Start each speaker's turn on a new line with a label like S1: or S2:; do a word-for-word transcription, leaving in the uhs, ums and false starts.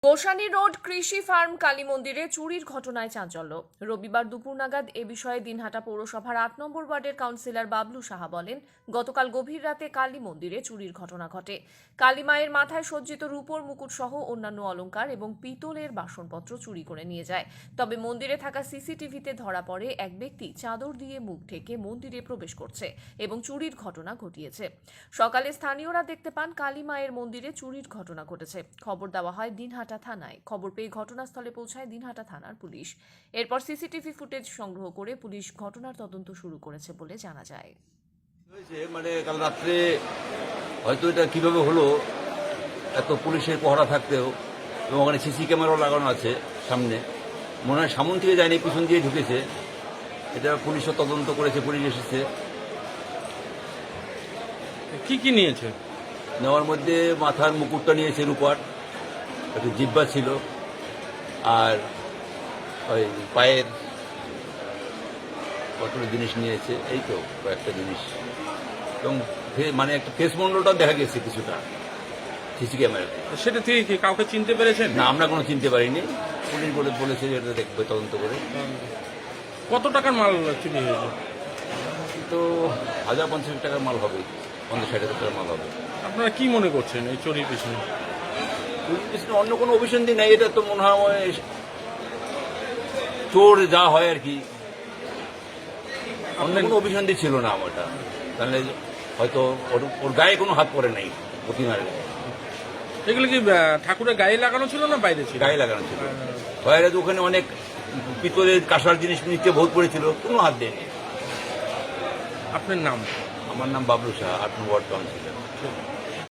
S1: Gosani road কৃষি farm Kali মন্দিরে চুরির ঘটনায় চাঞ্চল্য। রবিবার দুপুর নাগাদ এ বিষয়ে দিনহাটা পৌরসভার আট নম্বর ওয়ার্ডের কাউন্সিলর বাবলু সাহা বলেন, গতকাল গভীর রাতে কালী মন্দিরে চুরির ঘটনা ঘটে। কালী মায়ের মাথায় সজ্জিত রূপোর মুকুট সহ অন্যান্য অলংকার এবং পিতলের বাসনপত্র চুরি করে নিয়ে যায়। তবে মন্দিরে থাকা সিসিটিভিতে ধরা পড়ে এক ব্যক্তি চাদর দিয়ে মুখ ঢেকে মন্দিরে প্রবেশ করছে এবং চুরির ঘটনা ঘটিয়েছে। সকালে স্থানীয়রা দেখতে পান কালী মায়ের মন্দিরে চুরির ঘটনা ঘটেছে। খবর দেওয়া হয় দিনহাটা থানায়। খবর পেয়ে ঘটনাস্থলে পৌঁছায় দিনহাটা থানার পুলিশ। এরপর সিসিটিভি ফুটেজ সংগ্রহ করে পুলিশ ঘটনার তদন্ত শুরু করেছে বলে জানা যায়।
S2: মানে কাল রাত্রে হয়তো এটা কিভাবে হলো, এত পুলিশের পহরা থাকতেও, এবং ওখানে সিসি ক্যামেরাও লাগানো আছে সামনে, মনে হয় সামন থেকে যায়নি, পিছন দিয়ে ঢুকেছে। এটা পুলিশও তদন্ত করেছে, পুলিশ এসেছে।
S3: কি কি নিয়েছে?
S2: নেওয়ার মধ্যে মাথার মুকুটটা নিয়েছে রূপার, একটু জিব্বা ছিল, আর ওই পায়ের কতগুলো জিনিস নিয়েছে, এই তো কয়েকটা জিনিস, এবং মানে একটা ফেস মন্ডলটাও দেখা গেছে কিছুটা সিসি ক্যামেরাতে।
S3: সেটা থেকে কি কাউকে চিনতে পেরেছেন?
S2: না, আমরা কোনো চিনতে পারিনি। পুলিশ বলে বলেছে যে এটা দেখবে তদন্ত করে।
S3: কত টাকার মাল চুরি হয়েছে?
S2: তো হাজার পঞ্চাশ টাকার মাল হবে, পঞ্চাশ ষাট হাজার টাকার মাল হবে।
S3: আপনারা কি মনে করছেন এই চুরির পিছনে?
S2: চুরির পিছনে অন্য কোনো অভিসন্ধি নেই। এটা তো মনে হয় চোর যা হয় আর কি, অন্য কোনো অভিসন্ধি ছিল না আমারটা। তাহলে হয়তো ওর ওর গায়ে কোনো হাত পড়ে নাই, প্রতিমার গায়ে।
S3: এগুলো কি আহ, ঠাকুরের গায়ে লাগানো ছিল না বাইরে ছিল?
S2: গায়ে লাগানো ছিল। বাইরে তো ওখানে অনেক পিতলের কাঁসার জিনিস নিচে ভোগ পড়েছিল, কোনো হাত দেয়নি।
S3: আপনার নাম?
S2: আমার নাম বাবলু সাহা, আট নম্বর ওয়ার্ড কাউন্সিলর।